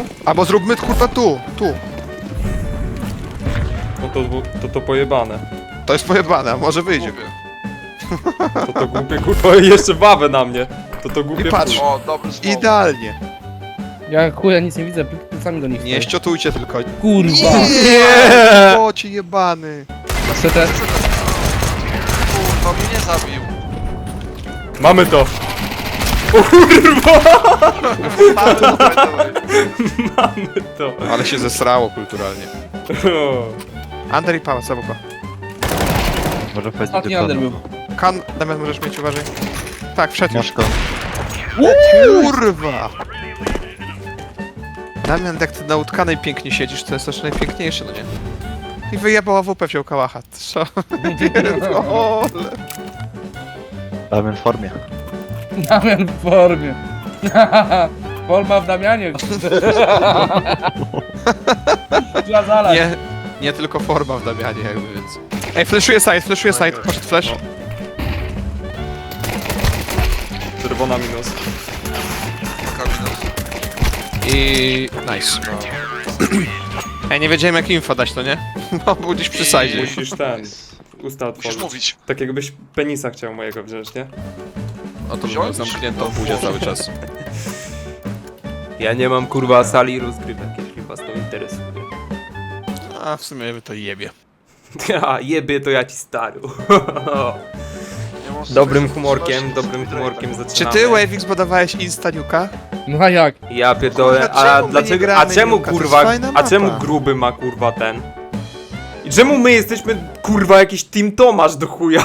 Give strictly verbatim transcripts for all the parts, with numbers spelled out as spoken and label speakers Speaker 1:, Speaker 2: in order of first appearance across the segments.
Speaker 1: Albo zróbmy kurwa tu, tu.
Speaker 2: No to, to to pojebane.
Speaker 1: To jest pojebane, a może wyjdzie.
Speaker 2: To to głupie kurwa i jeszcze bawę na mnie. To to głupie
Speaker 1: I patrz.
Speaker 2: kurwa.
Speaker 3: O, dobry smoke.
Speaker 1: Idealnie.
Speaker 4: Ja chuja nic nie widzę, plecami do nich
Speaker 1: Nie
Speaker 4: stoję.
Speaker 1: ściotujcie tylko.
Speaker 4: Kurwa!
Speaker 1: Nie! O ci jebany.
Speaker 4: C T.
Speaker 3: Kurwa, mnie nie zabił.
Speaker 2: Mamy to!
Speaker 3: Mamy, dawaj, dawaj.
Speaker 2: Mamy to!
Speaker 1: Ale się zesrało kulturalnie. Under i pałac, zabuka.
Speaker 5: Może powiedzieć
Speaker 4: Ostatni under był.
Speaker 1: Kan, Damian możesz mieć, uważaj. Tak, wszedł już.
Speaker 5: Masz to.
Speaker 1: Kurwa! Damian, jak ty na utkanej pięknie siedzisz, to jest też najpiękniejsze, no nie? I wyjebała W P, wziął kałacha. Co? Pierdolę.
Speaker 5: Damian w formie.
Speaker 4: Damian w formie. Forma w Damianie. Trzeba zalać.
Speaker 1: Nie, nie tylko forma w Damianie jakby, więc... Ej, flashuje side, flashuje side, poszedł flash.
Speaker 2: Czerwona minus.
Speaker 3: Kabinet.
Speaker 1: I... nice. Ej, nie wiedziałem jak info dać, to nie? Bo był gdzieś przy side.
Speaker 2: Musisz ten... Usta
Speaker 3: Musisz
Speaker 2: otworzyć.
Speaker 3: mówić.
Speaker 2: Tak jakbyś penisa chciał mojego wziąć, nie?
Speaker 1: O, to
Speaker 3: Wziąć?
Speaker 1: było zamkniętą buzię cały czas.
Speaker 2: Ja nie mam kurwa sali rozgrywek, jeśli was to interesuje.
Speaker 1: A, w sumie by to jebie.
Speaker 2: Ja jebie to ja ci stary.
Speaker 3: Nie mam
Speaker 2: Dobrym
Speaker 3: sensu
Speaker 2: humorkiem,
Speaker 3: trzymać
Speaker 2: dobrym
Speaker 3: się
Speaker 2: humorkiem
Speaker 1: Czy
Speaker 2: zaczynamy.
Speaker 1: ty, Wavix, badawałeś Insta Nuka?
Speaker 4: No a jak?
Speaker 2: Ja pierdolę,
Speaker 1: Kurwa,
Speaker 2: a
Speaker 1: czemu my nie
Speaker 2: dlaczego, a
Speaker 1: gramy
Speaker 2: czemu
Speaker 1: Nuka? To jest
Speaker 2: kurwa,
Speaker 1: fajna
Speaker 2: a
Speaker 1: mapa.
Speaker 2: czemu gruby ma kurwa ten? I czemu my jesteśmy kurwa jakiś Team Tomasz do chuja?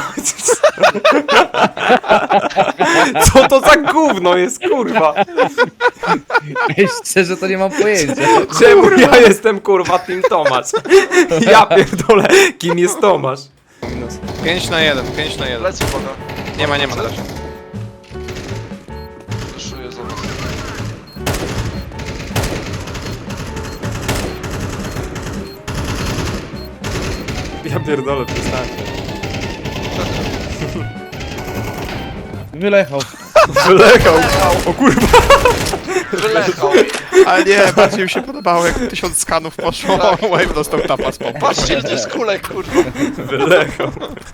Speaker 2: Co to za gówno jest kurwa?
Speaker 4: Ej, szczerze to nie mam pojęcia.
Speaker 2: Czemu ja jestem kurwa Team Tomasz? Ja pierdolę, kim jest Tomasz?
Speaker 1: pięć na jeden, pięć na jeden.
Speaker 3: Lecę, uwaga.
Speaker 1: Nie ma, nie ma też.
Speaker 3: Wyszuję za was.
Speaker 2: Ja pierdolę, przestańcie.
Speaker 4: Wylechał.
Speaker 2: Wylechał. O kurwa.
Speaker 3: Wylechał.
Speaker 1: Ale nie, bardziej mi się podobało jak tysiąc skanów poszło, Wave dostał tapa z pompą.
Speaker 3: Patrzcie, ile to jest kulek, kurwa.
Speaker 2: Wylechał.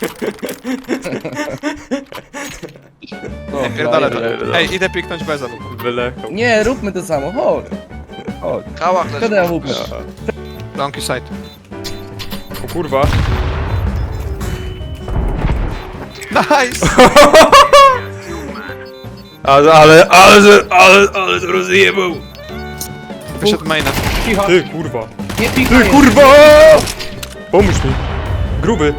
Speaker 1: Nie, pierdolę to. Ej, idę piknąć bez anu.
Speaker 2: Wylechał.
Speaker 4: Nie, róbmy to samo, chodź.
Speaker 3: Kałach
Speaker 4: Kiedy ja
Speaker 3: leży.
Speaker 4: łupę?
Speaker 1: Donkey side.
Speaker 2: O kurwa.
Speaker 1: Nice!
Speaker 2: Ale, ale, ale, ale, ale to rozjebał.
Speaker 1: Wyszedł maina.
Speaker 4: Cicho.
Speaker 2: Ty kurwa.
Speaker 4: Nie pikaj.
Speaker 2: Ty kurwa! Pomóż mi. Gruby.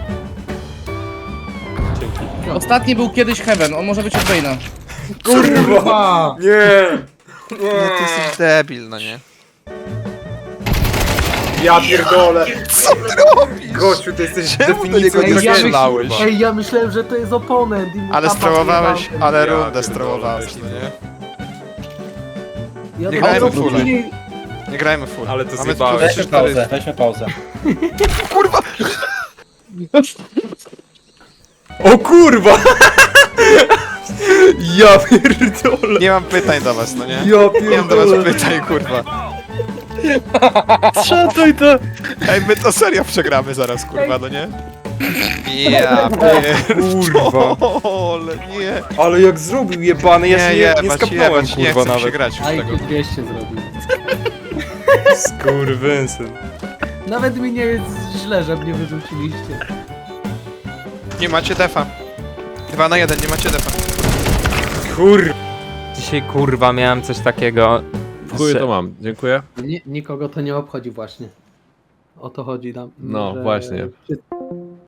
Speaker 2: Dzięki.
Speaker 4: Ostatni był kiedyś Heaven, on może być od Bane'a.
Speaker 2: Kurwa! Nie!
Speaker 1: Nie, ty jesteś debil, no nie?
Speaker 2: Ja pierdolę!
Speaker 1: Co ty robisz?
Speaker 2: Gościu, ty jesteś
Speaker 1: Czemu do
Speaker 2: definicją
Speaker 1: niego nie
Speaker 2: tragedii,
Speaker 1: strzelałeś?
Speaker 2: kurwa.
Speaker 6: Ej, ja myślałem, że to jest oponent i mu
Speaker 1: Ale
Speaker 6: tapa
Speaker 1: strołowałeś,
Speaker 6: zjebałem.
Speaker 1: ale
Speaker 2: Ja
Speaker 1: rundę
Speaker 2: pierdolę,
Speaker 1: strołowałeś, no
Speaker 2: ty.
Speaker 1: nie?
Speaker 6: Ja
Speaker 1: Nie
Speaker 6: to-
Speaker 1: grajmy
Speaker 6: to
Speaker 1: fulla.
Speaker 6: później-
Speaker 1: Nie grajmy full.
Speaker 2: Ale to
Speaker 1: Mamy
Speaker 2: zjebałeś.
Speaker 1: tylko trzy, cztery.
Speaker 4: weźmy pauzę.
Speaker 1: Kurwa!
Speaker 2: O kurwa! Ja pierdolę!
Speaker 1: Nie mam pytań do was, no nie?
Speaker 2: Ja
Speaker 1: Nie mam do was
Speaker 2: pierdolę!
Speaker 1: pytań, kurwa.
Speaker 4: Szatuj to!
Speaker 1: Ej, my to serio przegramy zaraz, kurwa, no nie? Ja pierdolę, nie.
Speaker 2: Ale jak zrobił jebany, ja się nie, nie
Speaker 1: jebać,
Speaker 2: skapnąłem
Speaker 1: jebać, nie
Speaker 2: kurwa
Speaker 1: chcę się
Speaker 2: nawet.
Speaker 1: grać już
Speaker 6: A
Speaker 1: tego.
Speaker 6: I Q dwieście zrobił.
Speaker 2: Skurwysyn.
Speaker 6: Nawet mi nie jest źle, że mnie wyrzuciliście.
Speaker 1: Nie macie defa. Dwa na jeden, nie macie defa.
Speaker 2: Kur... Dzisiaj kurwa miałem coś takiego...
Speaker 7: W chuju to mam, dziękuję.
Speaker 6: Ni nikogo to nie obchodzi właśnie. O to chodzi nam.
Speaker 7: No,
Speaker 6: że
Speaker 7: właśnie.
Speaker 6: wszyscy-